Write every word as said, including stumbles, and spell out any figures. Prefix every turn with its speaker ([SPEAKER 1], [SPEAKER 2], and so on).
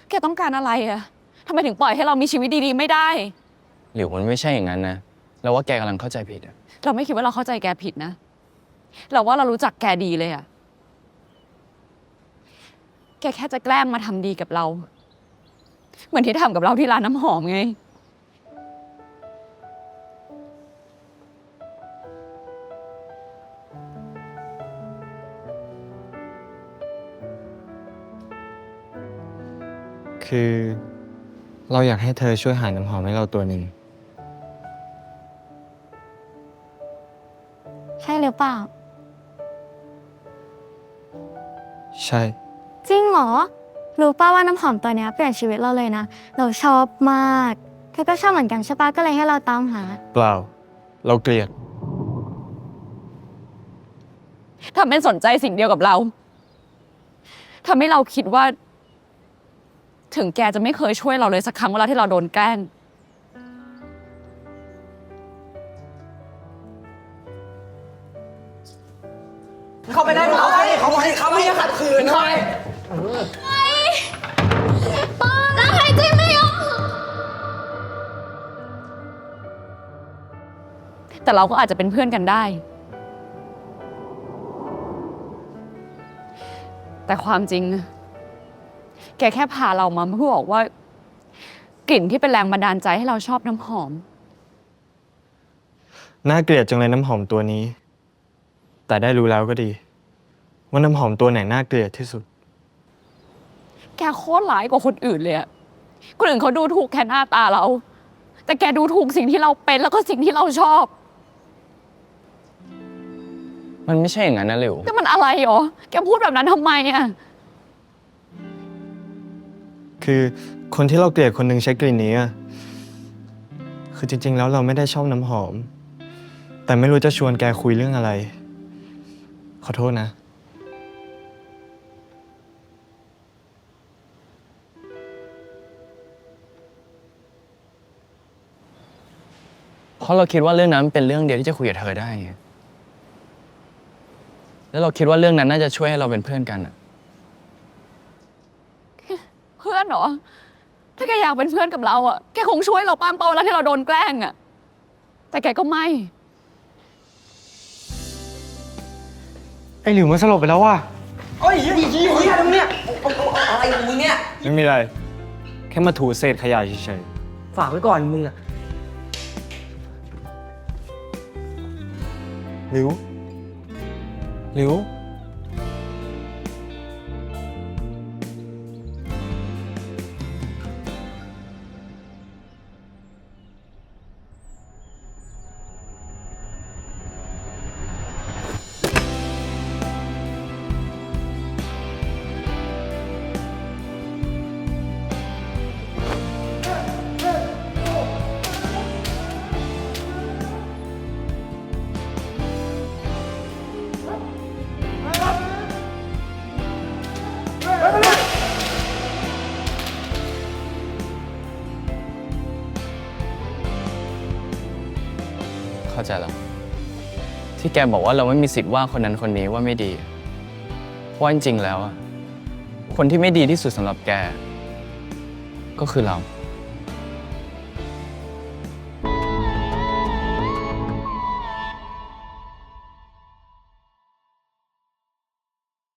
[SPEAKER 1] แกต้องการอะไรอะทำไมถึงปล่อยให้เรามีชีวิตดีๆไม่ได้
[SPEAKER 2] หลิวมันไม่ใช่อย่างนั้นนะเราว่าแกกำลังเข้าใจผิดอะ
[SPEAKER 1] เราไม่คิดว่าเราเข้าใจแกผิดนะเราว่าเรารู้จักแกดีเลยอะแกแค่จะแกล้งมาทำดีกับเรา เหมือนที่ทำกับเราที่ร้านน้ำหอมไง
[SPEAKER 3] คือเราอยากให้เธอช่วยหาน้ำหอมให้เราตัวหนึ่ง
[SPEAKER 4] ใช่หรือเปล่า
[SPEAKER 3] ใช่
[SPEAKER 4] จริงเหรอ รู้ป่าว่าน้ำหอมตัวเนี้ยเปลี่ยนชีวิตเราเลยนะ เราชอบมากเธอก็ชอบเหมือนกันใช่ปะก็เลยให้เราตามหา
[SPEAKER 3] เปล่า เราเกลียด
[SPEAKER 1] ทำเป็นสนใจสิ่งเดียวกับเราทำให้เราคิดว่า ถึงแกจะไม่เคยช่วยเราเลยสักครั้งเวลาที่เราโดนแกล้ง
[SPEAKER 5] เข้าไปได้เขาไปเขาไปเขาไม่ขัดขืนเขาไป
[SPEAKER 4] แล้วใครจริงไม่ยอม
[SPEAKER 1] แต่เราก็อาจจะเป็นเพื่อนกันได้ แต่ความจริง แกแค่พาเรามาเพื่อบอกว่า กลิ่นที่เป็นแรงบันดาลใจให้เราชอบน้ำหอม
[SPEAKER 3] น่าเกลียดจังเลยน้ำหอมตัวนี้ แต่ได้รู้แล้วก็ดี ว่าน้ำหอมตัวไหนน่าเกลียดที่สุด
[SPEAKER 1] แกโคตรร้ายกว่าคนอื่นเลยอะคนอื่นเขาดูถูกแค่หน้าตาเรา แต่แกดูถูกสิ่งที่เราเป็นแล้วก็สิ่งที่เราชอบ
[SPEAKER 2] มันไม่ใช่อย่างนั้นนะหลิว
[SPEAKER 1] แต่มันอะไรหรอ แกพูดแบบนั้นทำไมอะ
[SPEAKER 3] คือคนที่เราเกลียดคนหนึ่งใช้กลิ่นนี้อะคือจริงๆแล้วเราไม่ได้ชอบน้ำหอม แต่ไม่รู้จะชวนแกคุยเรื่องอะไร ขอโทษนะ
[SPEAKER 2] เพราะเราคิดว่าเรื่องนั้นเป็นเรื่องเดียวที่จะคุยกับเธอได้ไงแล้วเราคิดว่าเรื่องนั้นน่าจะช่วยให้เราเป็นเพื่อนกันอะ
[SPEAKER 1] เพื่อนเหรอ ถ้าแกอยากเป็นเพื่อนกับเราอะแกคงช่วยเราป้ามเป้าแล้วที่เราโดนแกล้งอะแต่แกก็ไม่
[SPEAKER 3] ไอ้หลิวมันสลบไปแล้วว่ะ
[SPEAKER 5] โอ้ยยี่ยี่ยี่อะไรมึงเนี่ยเอาเอาเอาอะไรของมึงเนี่ย
[SPEAKER 3] ไม่มีอะไร แค่มาถูเศษขยะเฉย
[SPEAKER 5] ฝากไว้ก่อนมึงอะ
[SPEAKER 3] ๆหลิว หลิว
[SPEAKER 2] เข้าใจแล้ว ที่แกบอกว่าเราไม่มีสิทธิ์ว่าคนนั้นคนนี้ว่าไม่ดี เพราะว่าจริงๆแล้วอะคนที่ไม่ดีที่สุดสำหรับแก ก็คือเรา